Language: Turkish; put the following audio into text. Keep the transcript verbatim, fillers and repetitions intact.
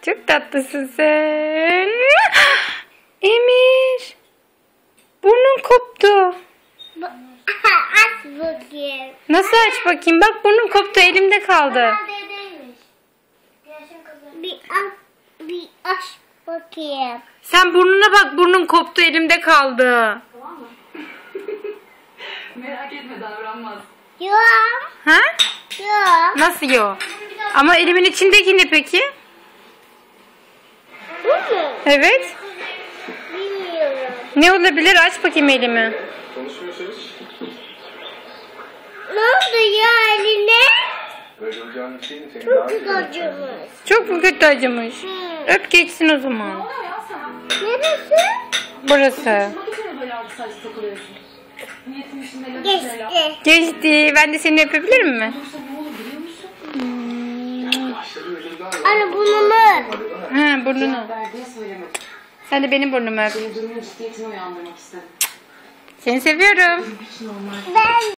Çok tatlısın sen. Emir. Burnun koptu. Aç bakayım. Nasıl aç bakayım? Bak burnun koptu, elimde kaldı. Bir aç, bir aç bakayım. Sen burnuna bak, burnun koptu, elimde kaldı. Tamam mı? Merak etme, davranmaz. Yok. Ha? Yok. Nasıl yok? Ama elimin içindeki ne peki? Bu mu? Evet. Bilmiyorum. Ne olabilir? Aç bakayım elimi. Konuşmuyorsunuz. Ne oldu ya eline? Böyle olacağını düşündüm. Senin daha Çok güzel. acımış. Çok mu kötü acımış? Hmm. Öp geçsin o zaman. Ne oluyor ya sana? Neresi? Burası. Bak içine böyle altı saç takılıyorsun. Niyetim işinde lafı söyle. Geçti. Geçti. Ben de seni öpebilir mi? Olursa ne olur biliyor musun? Başladı öyle galiba. Anne bunu mu? Hadi bana. Ha, burnunu. Verdiği söylemedim. Sen de benim burnumu öp. Senin durumun ciddiyetini uyandırmak istedim. Seni seviyorum. Hiç normal. Ben